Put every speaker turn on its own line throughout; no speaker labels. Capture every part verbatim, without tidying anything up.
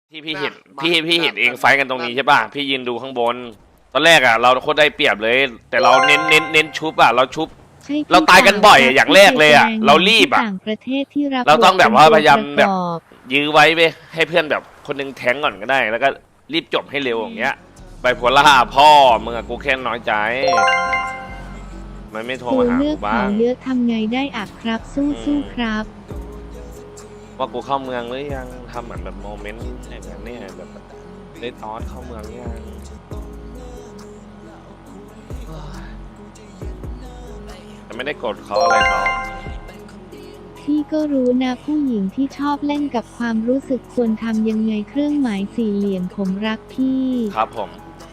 ที่พี่เห็นพี่พี่เห็นเองไฟกันตรงนี้ใช่ป่ะพี่ยืนดูข้างบนตอนแรกอ่ะเราโคตรได้เปรียบเลย แต่เราเน้นเน้นเน้นชุบอ่ะเราชุบเราตายกันบ่อยอย่างแรกเลยอ่ะเรารีบอ่ะเราต้องแบบว่าพยายามแบบยื้อไว้ไปให้เพื่อนแบบคนนึงแทงก่อนก็ได้ แล้วก็รีบจบให้เร็วอย่างเงี้ยไปโพล่าพ่อมึงอะกูแค่น้อยใจมันไม่โทรมาหากูบ้าง
เยอะทำไงได้อักครับสู้สู้ครับ
ว่ากูเข้าเมืองหรือยังทำเหมือนแบบโมเมนต์อย่างนี้เนี่ยแบบได้ตอนเข้าเมืองยังแต่ไม่ได้กดเขาอะไรเขา
พี่ก็รู้นะผู้หญิงที่ชอบเล่นกับความรู้สึกควรทำยังไงเครื่องหมายสี่เหลี่ยมผมรักพี่
ครับผม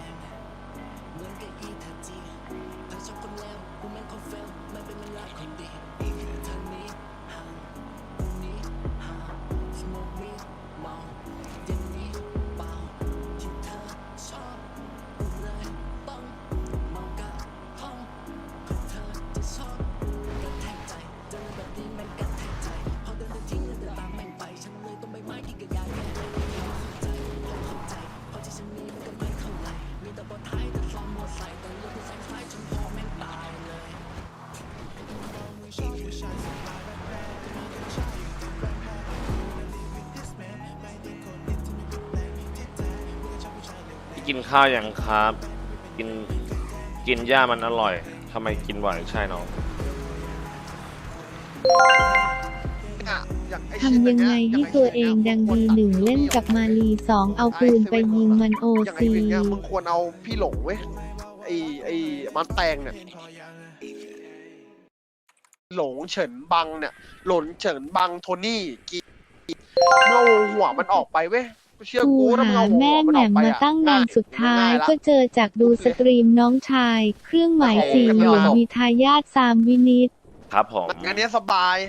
กินข้าวยังครับกินกินหญ้ามันอร่อยทำไมกินบ่อยใช่น้อง
ทำยังไงให้ตัวเองดังดีหนึ่งเล่นกับมาลีสองเอาปืนไปยิงมันโอซี
มึงควรเอาพี่หลงเว้ยไอไอมันแตงเนี่ยหลงเฉินบังเนี่ยหลนเฉินบังโทนี่กีเมื่อหัวมันออกไปเว้ยเชื่อกูถ้ามึงเอาหัวมันออกไปอะตั้งนานสุดท้าย
ก็เจอจากดูสตรีมน้องชายเครื่องหมายสี่เหลี่ยมมีทายาทสามวินิต
ครับผม
งานนี้สบาย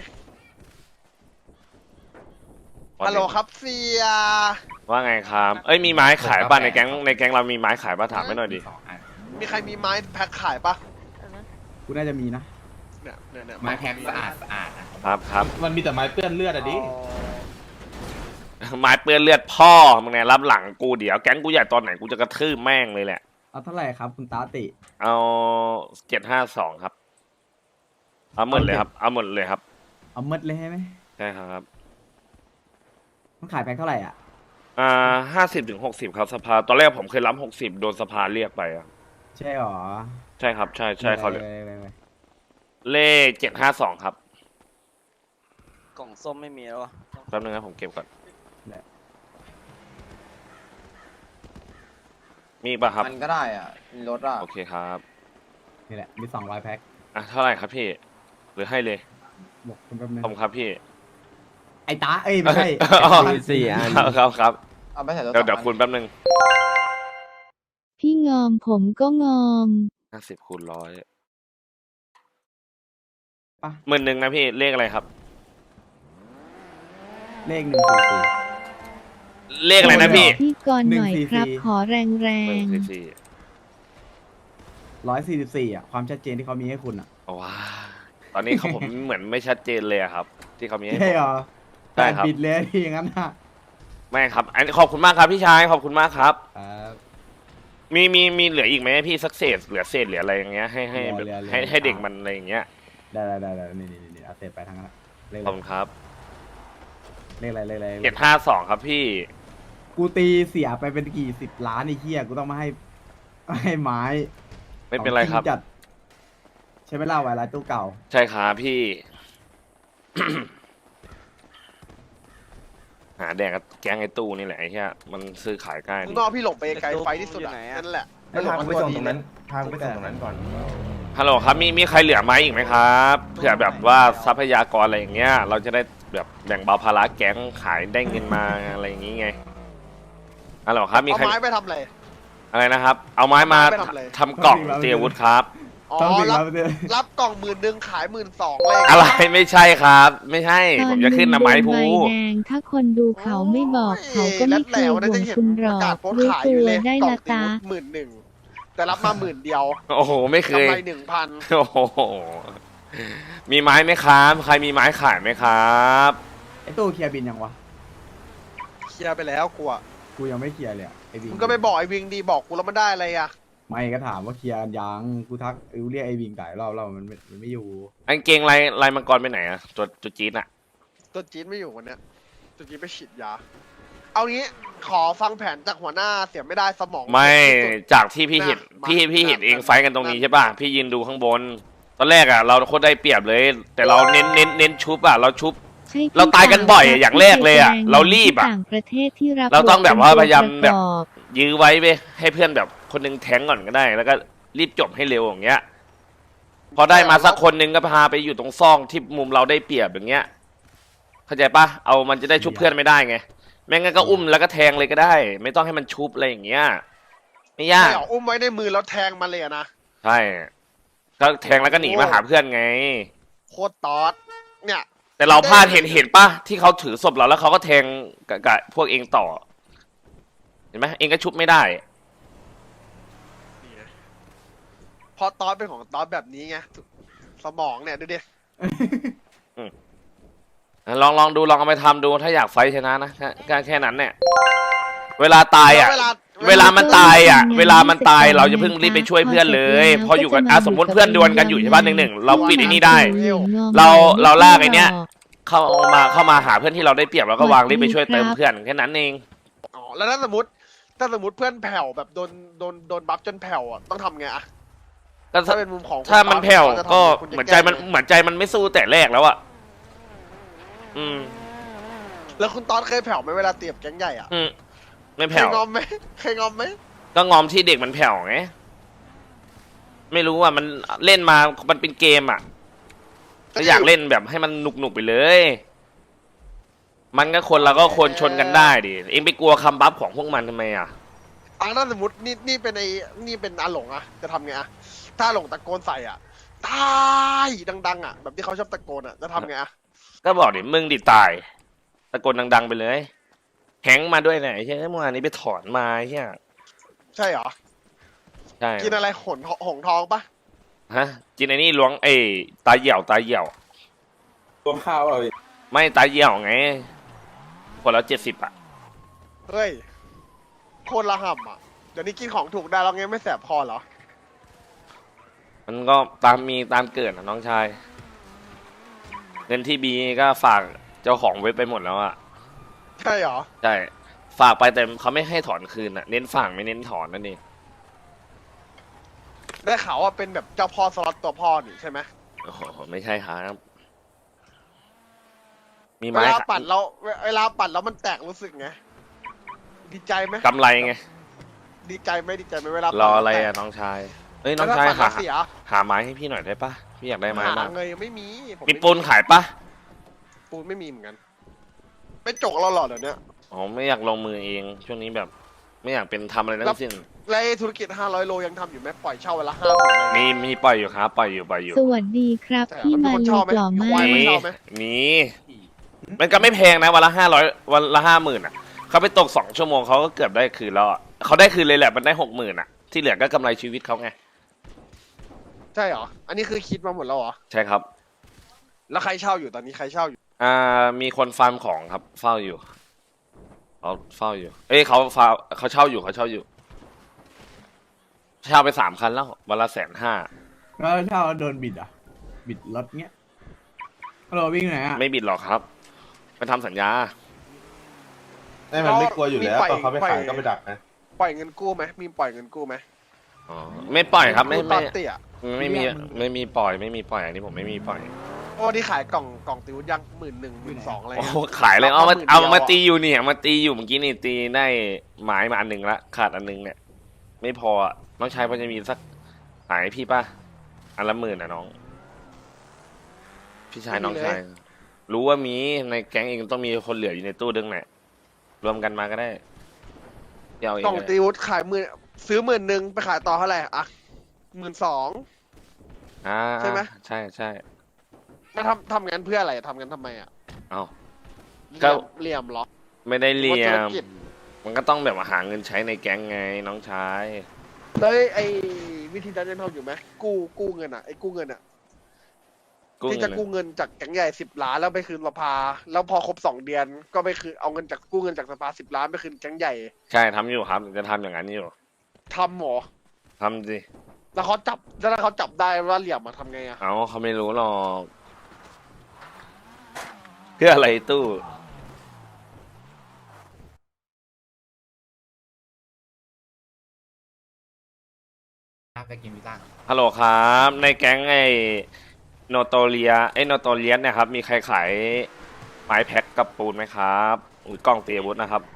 ฮัลโหลครับเสีย
ว่าไงครับเอ้ยมีไม้ขายป่ะในแก๊งในแก๊งเรามีไม้ขายป่ะถามไม่หน่อยดิ
มีใครมีไม้แพ็คขายป่ะ
กูน่าจะมีนะ
เนี่ยเนี่ย
ไม้แพ็คสะอาดสะอาด
ครับครับ
มันมีแต่ไม้เปื้อนเลือดอะดิ
ไม้เปื้อนเลือดพ่อมึงไงรับหลังกูเดี๋ยวแก๊งกูใหญ่ตอนไหนกูจะกระทืบแม่งเลยแหละ
เอาเท่าไหร่ครับคุณตาติ
เอาเจ็ดห้าสองครับเอาหมดเลยครับเอาหมดเลยครับ
เอาหมดเลยใช่ไหม
ใช่ครับ
มันขายแพ็คเท่าไหร่อ่ะ
อ่าห้าสิบถึงหกสิบครับสภาตอนแรกผมเคยรับหกสิบโดนสภาเรียกไปอ่ะ
ใช่หรอ
ใช่ครับใช่ใช่เขาเลยเลขเจ็ดห้าสองครับ
กล่องส้มไม่มีแล้ววะ
แป๊บนึงนะผมเก็บก่อนมีป่ะครับ
มันก็ได้อ่ะมีรถอ่ะ
โอเคครับ
นี่แหละมีสองร้อยแพ็ค
อ่ะเท่าไหร่ครับพี่หรือให้เลย
บอกคุณแป๊บนึง
ผมครับพี่
ไอ้ตาเอ้ยไม่ใช่
สี่อันครับครับ
เอาไปใส่รถ
เดี๋ยวเดี๋ยวคุณแป๊บนึง
พี่งอมผมก็งอม
ห้าสิบคูณร้อยหมื่นหนึ่งนะพี่เลขอะไรครับ
เลขหนึ่งสี่สี่
เลขอะไรนะพี่
พี่ก่อนหน่อยครับขอแรงแรง
ร้อยสี่สิบสี่อ่ะความชัดเจนที่เขามีให้คุณอ่ะ
ว้าตอนนี้เขาผมเหมือนไม่ชัดเจนเลยครับที่เขามีให้
ใช่หรอ
ใช่ครับ
ปิดเลยที่อย่างนั้นนะ
ไม่ครับอันขอบคุณมากครับพี่ชายขอบคุณมากครับมีมีมีเหลืออีกไหมพี่สักเศษเหลือเศษเหลืออะไรอย่างเงี้ยให้ให้ให้ให้เด็กมันอะไรอย่างเงี้ย
ได้ได้ได้ได้นี่นี่นี่เอาเศษไปทางนั้น
ขอบคุณครับ
เลขอะไรเลขอะไร
เจ็ดห้าสองครับพี่
กูตีเสียไปเป็นกี่สิบล้านไอ้เหี้ยกูต้องมาให้ให้ไม้
ไม่เป็นไรครับ
จัดใช้เวลาไว้ไรตู้เก่า
ใช่ครับพี่ หาแดงกับแก๊งไอ้ตู้นี่แหละไอ้เหี้ยมันซื้อขายง่าย
นอกพี่หลงไปไกลไฟที่สุดนั่นแหละ
ให้พาไปส่งตรงนั้นพาไปส่งตรงนั้นก่อน
ฮัลโหลครับมีมีใครเหลือไหมอีกไหมครับเผื่อแบบว่าทรัพยากรอะไรอย่างเงี้ยเราจะได้แบบแบ่งเบาภาระแก๊งขายได้เงินมาอะไรอย่างงี้ไงฮัลโหลครับมีใคร
เอาไม้ไปทำอะไร
อะไรนะครับเอาไม้มาทำกล่องเตรียมอาวุธครับ
อ๋อรับรับกล่องหมื่นหนึ่งขายหมื่นสองเลย
อะไรไม่ใช่ครับไม่ใช่ผมจะขึ้นนะไม้พู
ถ้าคนดูเขาไม่บอกเขาก็ไม่เคยห่วงคุณหรอกรู้ตัวได้ละตา
หมื่นหนึ่งแต่รับมาหมื่นเดียว
โอ้โหไม่เคย
กำไรหนึ่งพัน
โอ้โหมีไม้ไหมครับใครมีไม้ขายไหมครับ
ไอ้ตู้เคลียร์บินยังวะ
เคลียร์ไปแล้วกลัว
กูยังไม่เคลียร์เลยอะไอ้วิง
มึงก็ไปบอกไอ้วิงดีบอกกูแล้วมันได้อะไรอ่ะ
ไม่ก็ถามว่าเคลียร์กันยังกูทักกูเรียกไอ้วิงไก่รอบแล้วมันไม่มันไม่อยู่
กางเกงลายลายมังกรไปไหนอะตัวตัวจี๊ดอะ
ตัวจีนไม่อยู่วันเนี้ยตัวจีนไปฉีดยา เอางี้ขอฟังแผนจากหัวหน้าเสียไม่ได้สมอง
ไม่
ที่สุด
จากที่พี่เห็น
มา
พี่พี่เห็น
มา
เอง
มา
ไฟท์กันตรงนี้
มา
ใช่ป่ะพี่ยืนดูข้างบน ตอนแรกอะเราโคตรได้เปรียบเลย แต่เราเน้นเน้นเน้นชุบอะเราชุบ
ใช่ที่
เราตายกันบ่อยอะอย่างแรกเลยอะ
ที่
เรารีบอะ
ต่างประเทศที่รับ
เราต้องแบบว่าพยายามแบบ
ประกอบ
ยื้อไว้ไปให้เพื่อนแบบคนหนึงแทงก่อนก็ได้ แล้วก็รีบจบให้เร็วอย่างเงี้ย พอได้มาสักคนหนึงก็พาไปอยู่ตรงซ่องที่มุมเราได้เปรียบอย่างเงี้ย เข้าใจปะเอามันจะได้ชุบเพื่อนไม่ได้ไงแม่งั้นก็อุ้มแล้วก็แทงเลยก็ได้ ไม่ต้องให้มันชุบอะไรอย่างเงี้ยไม่ยาก
ไม่เอาอุ้มไว้ในมือแล้วแทงมาเลยอะนะ
ใช่ก็แทงแล้วก็หนีมาหาเพื่อนไง
โคตรตอดเนี่ย
แต่เราพลาดเห็นเห็นปะที่เขาถือศพเราแล้วเขาก็แทงกับกับพวกเองต่อ เห็นไหมเองก็ชุบไม่ได้
นี่นะเพราะตอดเป็นของตอดแบบนี้ไงสมองเนี่ยดูดิ
ลองลองดูลองเอาไปทำดูถ้าอยากไฟท์ชนะนะแค่แค่แค่นั้นเนี่ย เวลาตายอ่ะ
เวลา
เวลามันตายอ่ะ เวลามันตายเราจะเพิ่งรีบไปช่วยเพื่อนเลย พออยู่กันอ่ะสมมติเพื่อนดวลกันอยู่ใช่ป่ะหนึ่งหนึ่งเราปิดไอ้นี่ได้ เราเราลากไอ้เนี้ย เข้ามาเข้ามาหาเพื่อนที่เราได้เปรียบแล้วก็วางรีบไปช่วยเติมเพื่อนแค่นั้นเอง
อ๋อแล้วถ้าสมมติถ้าสมมติเพื่อนแผ่วแบบโดนโดนโดนบัฟจนแผ่วอ่ะต้องทำไงอะ
ก็
ถ้าเป็นมุมของคุณ
ถ้ามันแผ่ว
ตอดจะทำ
ก็
ไงคุณจะ
เหมือนใจมัน
แก้ไง
เหมือนใจมันไม่สู้แต่แรกแล้วอ่ะอืม
แล้วคุณตอนเคยแผ่วไหมเวลาเตียบแก๊งใหญ่อ่ะ
อืมไม่
เค
แผ่
ยว งอมไหมเคยงอมไหม
ก็งอมที่เด็กมันแผ่วไงไม่รู้ว่ามันเล่นมามันเป็นเกมอ่ะก็อยากเล่นแบบให้มันหนุกหนุกๆไปเลย มันก็คนเราก็คนชนกันได้ดิเองไปกลัวคำบัฟของพวกมันทำไมอ่ะ
อ่ะถ้าสมมตินี่นี่เป็นไอ้นี่เป็นอาหลงอ่ะจะทำไงอ่ะถ้าอาหลงตะโกนใส่อ่ะตายดังๆอ่ะแบบที่เขาชอบตะโกนอ่ะจะทำไงอ่ะ
ก็บอกดิมึงดิตายตะโกนดังๆไปเลยแฮงก์มาด้วยเนี่ยใช่ไหมเมื่อวานนี้ไปถอนมาใช่ไหม
ใช่เหรอ
ใช่
กินอะไรหนหงทองปะ
ฮะกินไอ้นี่ล้วงเอ้ยตาเหี่ยวตาเหี่ยว
รวมข้าวเรา
ไม่ตาเหี่ยวไงคนละเจ็ดสิบอ่ะ
เฮ้ยโคตรละห่ำอ่ะเดี๋ยวนี้กินของถูกได้แล้วไงไม่แสบคอเหรอ
มันก็ตามมีตามเกิดนะน้องชายเงินที่บีก็ฝากเจ้าของเว็บไปหมดแล้วอ่ะ
ใช่เหรอ
ใช่ฝากไปแต่เขาไม่ให้ถอนคืนอ่ะเน้นฝากไม่เน้นถอนนั่นเอง
ได้ข่าวว่าเป็นแบบเจ้าพ่อสล็อตตัวพ่อนี่ใช่ไหม
โอ้โหไม่ใช่ครับมี
เว
ไม้
ลาปัดแล้วเวเวลาปัดแล้วมันแตกรู้สึกไงดีใจไหม
กำไรไง
ดีใจไหมดีใจไหมเวลาร
ออะไรอ่ะน้องชายเอ้ยน้อง
แล้ว
ชาย
ถ้าปัด
หา
แล้วเสีย
หาไม้ให้พี่หน่อยได้ปะพี่อยากได้ไม้
หาม
าก
เงยยังไม่มีผ
มีปูนขายปะ
ปูนไม่มีเหมือนกันไม่จกเราหรอเดี๋ยวนี้
อ๋อไม่อยากลงมือเองช่วงนี้แบบ ไม่อยากเป็นทำอะไรทั้งสิ้น
แล้วไอ้ธุรกิจห้าร้อยโลยังทำอยู่ไหมปล่อยเช่าวันละห้าหมื่นเลย
มีมีปล่อยอยู่ครับปล่อยอยู่ปล่อยอยู่
สวัสดีครับ
แต่
พี่
มันมี
มา
คนช
ลู
อบไหม
กหล่อ
มี
มา
ควาย
ก
ไห
มี
ชอบไหม
มีมันก็ไม่แพงนะวันละห้าร้อยวันละห้าหมื่นอ่ะเขาไปตกสองชั่วโมงเขาก็เกือบได้คืนแล้วอะเขาได้คืนเลยแหละมันได้หกหมื่นอ่ะที่เหลือก็กำไรชีวิตเขาไง
ใช่เหรออันนี้คือคิดมาหมดแล้วเหรอ
ใช่ครับ
แล้วใครเช่าอยู่ตอนนี้ใครเช่าอยู่
อ่ามีคนฟาร์มของครับเฝ้าอยู่เขาเฝ้าอยู่ เอ้ยเขาฟาเขาเช่าอยู่เขาเช่าอยู่เช่าไปสามคันแล้ววันละแสนห้า
แล้วถ้าเราโดนบิดอ่ะ บิดรถเงี้ยเราวิ่งไหนอ่ะ
ไม่บิดหรอกครับไปทำสัญญา
ไม่มันไม่กลัวอยู่แล้ว
มีปล่อย
ตอนเขาไป
ปล่อย
ขายก็ไปดักนะ
ปล่อยเงินกู้ไหมมีปล่อยเงินกู้ไหม
อ๋อไม่ปล่อยครับไม่
กู้ต
ไม่
อนเตี้ย
ไม่มีไม่มีปล่อยไม่มีปล่อยอันนี้ผมไม่มีปล่อย
โอ้ที่ขายกล่องกล่องติวยังหมื่นหนึ่งหมื่นสองอะไร
โอ้
เงี้ย
โหขายเลยเอามา
หมื่นเดียว
เอามา
อะ
ตีอยู่เนี่ยมาตีอยู่เมื่อกี้นี่ตีได้ไม้มาอันหนึ่งละขาดอันหนึงเนี่ย ไม่พออะน้องชายพอจะมีสักขายให้พี่ป่ะอันละหมื่นอ่ะน้อง พี่ชายน้องชายรู้ว่ามีในแก๊งเองต้องมีคนเหลืออยู่ในตู้ดึงแหละรวมกันมาก็ได้เดี๋ยวเอาเอง
กล่อง
ก็ได้
ติวขายหมื่นซื้อหมื่นหนึ่งไปขายต่อเท่าไหร่อ่ะหมื่นสอง
อ่า
ใช่ไหม
ใช่ใช่
มาทำทำงานเพื่ออะไรทำงานทำไมอ่ะ
เอา
เห
ก็
ลี่ยมเหลี่ยมเหรอ
ไม่ได้
ห
เรี
รือย ว่าธุร
ม
กิจ
มันก็ต้องแบบว่าหาเงินใช้ในแก๊งไงน้องชาย
แล้วไอ้วิธีนั้นยังทำอยู่ไหมกู้กู้เงินอ่ะไอ้กู้เงินอ่ะ
กู้
ที่
เงิ
จะ
น
กู้เงินจากแก๊งใหญ่สิบล้านแล้วไปคืนสภา แล้วพอครบสองเดือน ก็ไปคืนเอาเงินจากกู้เงินจากสภาสิบล้านไปคืนแก๊งใหญ่
ใช่ทำอยู่ครับ จะทำอย่างนั้นอยู่
ทำหมอ
ทำสิ
แล้วเขาจับแล้วถ้าเขาจับได้ว่าเหลี่ยมมาทำไงอะ
เอาเขาไม่รู้หรอกเพื่ออะไรตู้
ไปกินพิซซ่า
ฮัลโหลครับ ในแก๊งไอ้โนโตเลียไอ้โนโตเลียสเนี่ยครับ มีใครขายไม้แพ็คกับปูนไหมครับหรือกล้องเตรียมอาวุธนะครับ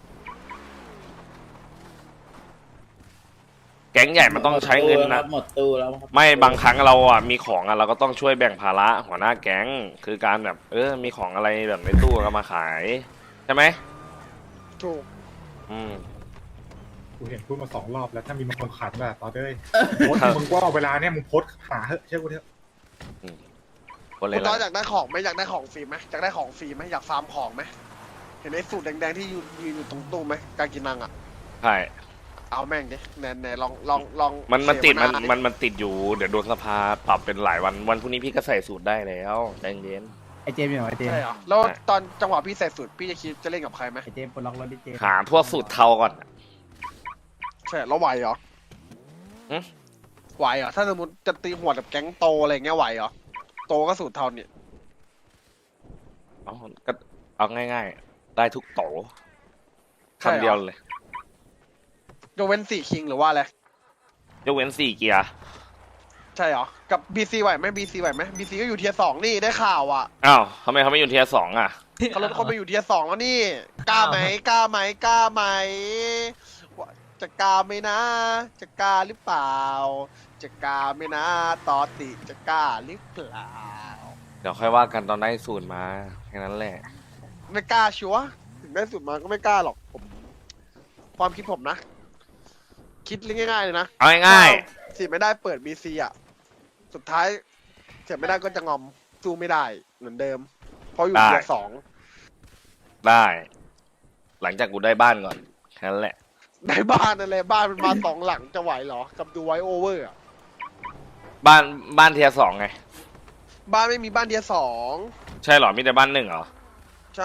แก๊งใหญ่มันต้องใช้เงินนะ
หมดตู้แล้วครับ
ไม่บางครั้งเราอ่ะมีของอ่ะเราก็ต้องช่วยแบ่งภาระหัวหน้าแก๊งคือการแบบ เออ มีของอะไรแบบในตู้ก็มาขาย ใช่ไหม
ถูก
อืม
กูเห็นพูดมาสองรอบแล้วถ้ามีบางคนขัดแบบตอนเด้ยโพสต์มึงว่าเวลาเนี่ยมึงโพสต์หาเถอะเชื่อกูเถอะ
คนเล
คุ
ย
ณตอน
ละ
อยากได้ของไหมอยากได้ของฟรีไหมอยากได้ของฟรีไหมอยากฟาร์มของไหมเห็นไอ้สูตรแดงๆที่ยืนยืนอยู่ตรงตู้ไหมการกินนังอะ
ใช่
เอาแม่งดิแน่แน่ลองลองลอง
มันมันติดมัน
เสวา
มันมันติดอยู่เดี๋ยวโดนสภาปรับเป็นหลายวันวันพรุ่งนี้พี่ก็ใส่สูตรได้แล้วใจเย็น
ไอเจมส์อยู่ไหนไอเจมส์
ใช่เหรอแล้วตอนจังหวะพี่ใส่สูตรพี่จะคิดจะเล่นกับใครไหม
ไอเจมส์ปลดล็อกรถดิเจมส์
หาพวกสูตรเทาก่อน
ใช่แล้วไหวเหรอ
หึ
ไหวเหรอถ้าสมมติจะตีหัวกับแก๊งโตอะไรเงี้ยไหวเหรอโตก็สูตรเทาเนี่ย
เอาก็เอาง่ายๆ ได้ทุกโตคำเดียวเลย
ยกเว้นสี่คิงหรือว่าอะไร
ยกเว้นสี่เกียร์
ใช่เหรอกับบีซีไหวไหมบีซีไหวไหมบีซีก็อยู่เทียร์สองนี่ได้ข่าวอ่ะ
อ้าวทำไมเขาไม่อยู่เทียร์สองอ่ะ
เขาลดคนไปอยู่เทียร์สองแล้วนี่กล้าไหมกล้าไหมกล้าไหมว่าจะกล้าไหมนะ จะกล้าหรือเปล่า จะกล้าไหมนะตอติจะกล้าหรือเปล่า
เดี๋ยวค่อยว่ากันตอนได้สูตรมาแค่นั้นแหละ
ไม่กล้าชัวร์ถึงได้สุดมาก็ไม่กล้าหรอกผมความคิดผมนะ คิดง่ายๆเลยนะ
เอาง่าย
สิไม่ได้เปิดบีซีอ่ะ สุดท้ายเสียไม่ได้ก็จะงอมสู้ไม่ได้เหมือนเดิม เพราะอยู่เทียร์สอง
ๆได้ หลังจากกูได้บ้านก่อนแค่นั้นแหละ
ในบ้านอะไรบ้านมันมาสองหลังจะไหวเหรอ กับดูไวโอเวอร์อะ
บ้านบ้านเทียร์สองไง
บ้านไม่มีบ้านเทียร์สอง
ใช่เหรอมีแต่บ้านหนึ่งเหรอ
ใช่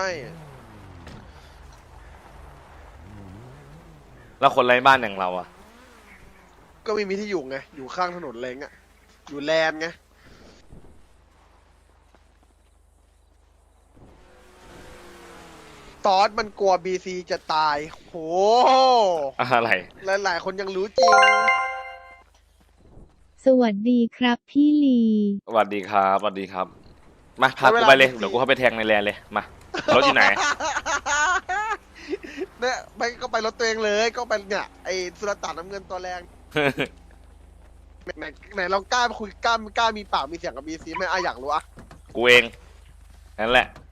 แล้วคนไร้บ้านอย่างเราอ่ะ
ก็ไม่มีที่อยู่ไง อยู่ข้างถนนเลงอะอยู่แลนด์ไง ตอสมันกลัวบีซีจะตาย โห
อะไร
หลายๆ คนยังรู้จริง
สวัสดีครับพี่ลี
สวัสดีครับสวัสดีครับ มาพากูไปเลยเดี๋ยวกูเข้าไปแทงในแลนเลยมารถอยู่ไหน
เนี่ยไปก็ไปรถตัวเองเลยก็ไปเนี่ยไอ้สุรตานน้ำเงินตัวแรงไหนไหนลองกล้าคุยกล้ากล้ามีปากมีเสียงกับบีซีไหมอ่ะอยากรู้อ่ะ
กูเองนั่นแหละ